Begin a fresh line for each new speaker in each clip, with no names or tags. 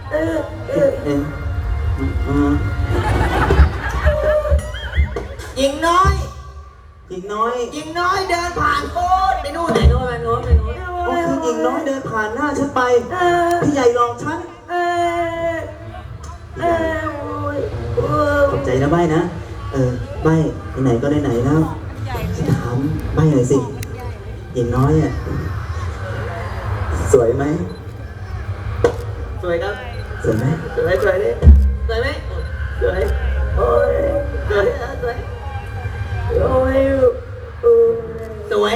เอ๊ะหญิงน้อยหญิงน้อยเดินผ่านโอ๊ตไปนู่นก็คือหญิงน้อยเดินผ่านหน้าฉันไปพี่ใหญ่หลอกฉันขอบใจนะใบนะใบไหนก็ได้ไหนแล้วฉันถามใบหน่อยสิหญิงน้อยอ่ะสวยไหมสวยครับสวยไหมสวยดิสวยไหมสวยโอ้ยสวยโอ้ยสวย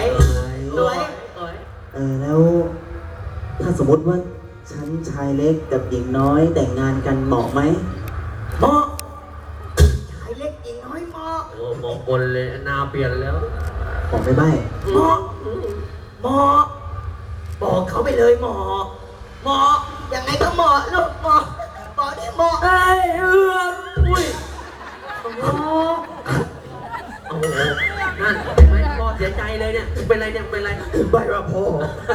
แล้วถ้าสมมติว่าฉันชายเล็กกับหญิงน้อยแต่งงานกันเหมาะไหมเหมาะชายเล็กหญิงน้อยเหมาะ
โอ้มองบนเลยนาเปลี่ยนแล้ว
บอกไปใบ้เหมาะบอกเขาไปเลยเหมาะยังไงก็เหมาะลูกเหมาะนี่เหมาะอุ้ย
โอ้โหนั่นเห็นไหมพ่อเสียใจเลยเนี่ยเป็นไรเนี่ยเป็นไร
ใบว่าพ่อ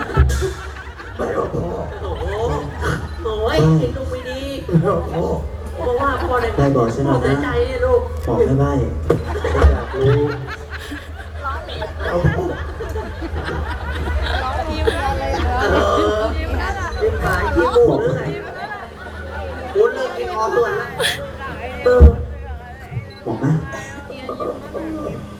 โอ้โหโอ้ยเห็นลูกไม่ดีเพราะว่าพ่อเนี่ย
บอกฉันหน่อยนะ
เสียใจเนี่ยลูก
บอกให้ใบอยากรู้